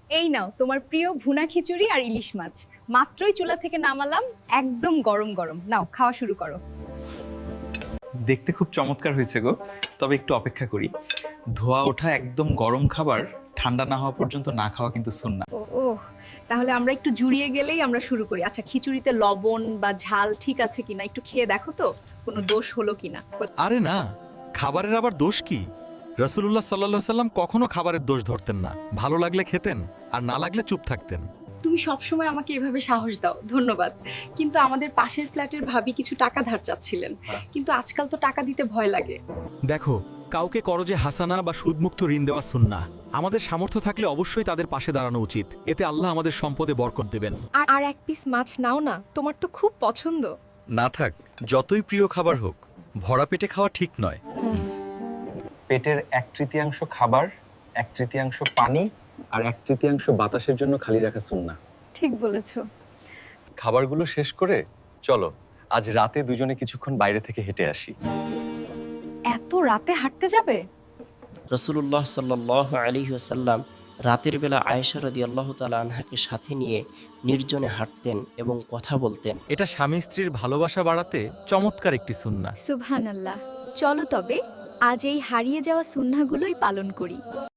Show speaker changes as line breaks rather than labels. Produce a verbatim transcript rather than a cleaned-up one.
এই নাও তোমার প্রিয় ভুনা খিচুড়ি আর ইলিশ মাছ, মাত্রই চুলা থেকে নামালাম, একদম গরম গরম। নাও খাওয়া শুরু করো।
দেখতে খুব চমৎকার হয়েছে গো, তবে একটু অপেক্ষা করি। ধোয়া ওঠা একদম গরম খাবার ঠান্ডা না হওয়া পর্যন্ত না খাওয়া কিন্তু সুন্নাহ।
ও ও তাহলে আমরা একটু জুড়িয়ে গেলেই আমরা শুরু করি। আচ্ছা, খিচুড়িতে লবণ বা ঝাল ঠিক আছে কিনা একটু খেয়ে দেখো তো, কোনো দোষ হলো কিনা।
আরে না, খাবারের আবার দোষ কি? রাসূলুল্লাহ সাল্লাল্লাহু আলাইহি সাল্লাম কখনো খাবারের দোষ ধরতেন না। ভালো লাগলে খেতেন, আর না লাগলে চুপ থাকতেন।
তুমি সবসময় আমাকে এভাবে সাহস দাও, ধন্যবাদ। কিন্তু আমাদের পাশের ফ্ল্যাটের ভাবি কিছু টাকা ধার চাচ্ছিলেন, কিন্তু আজকাল তো টাকা দিতে ভয় লাগে।
দেখো, কাউকে করজে হাসানা বা সুদমুক্ত ঋণ দেওয়া সুন্নাহ। আমাদের সামর্থ্য থাকলে অবশ্যই তাদের পাশে দাঁড়ানো উচিত। এতে আল্লাহ আমাদের সম্পদে বরকত দেবেন।
আর আর এক পিস মাছ নাও না, তোমার তো খুব পছন্দ।
না থাক, যতই প্রিয় খাবার হোক, ভরা পেটে খাওয়া ঠিক নয়।
পেটের এক তৃতীয়াংশ খাবার, এক তৃতীয়াংশ পানি আর এক তৃতীয়াংশ বাতাসের জন্য খালি রাখা সুন্নাহ।
ঠিক বলেছো।
খাবারগুলো শেষ করে চলো আজ রাতে দুজনে কিছুক্ষণ বাইরে থেকে হেঁটে আসি।
এত রাতে হাঁটতে যাবে?
রসুল্লাহ সাল্লাহ আলী আসাল্লাম রাতের বেলা আয়েশা রাদিয়াল্লাহু তাআলা আনহাকে সাথে নিয়ে নির্জনে হাঁটতেন এবং কথা বলতেন।
এটা স্বামী স্ত্রীর ভালোবাসা বাড়াতে চমৎকার একটি সুন্নাহ।
সুবহানাল্লাহ। চলো তবে আজ এই হারিয়ে যাওয়া সুন্নাহগুলোই পালন করি।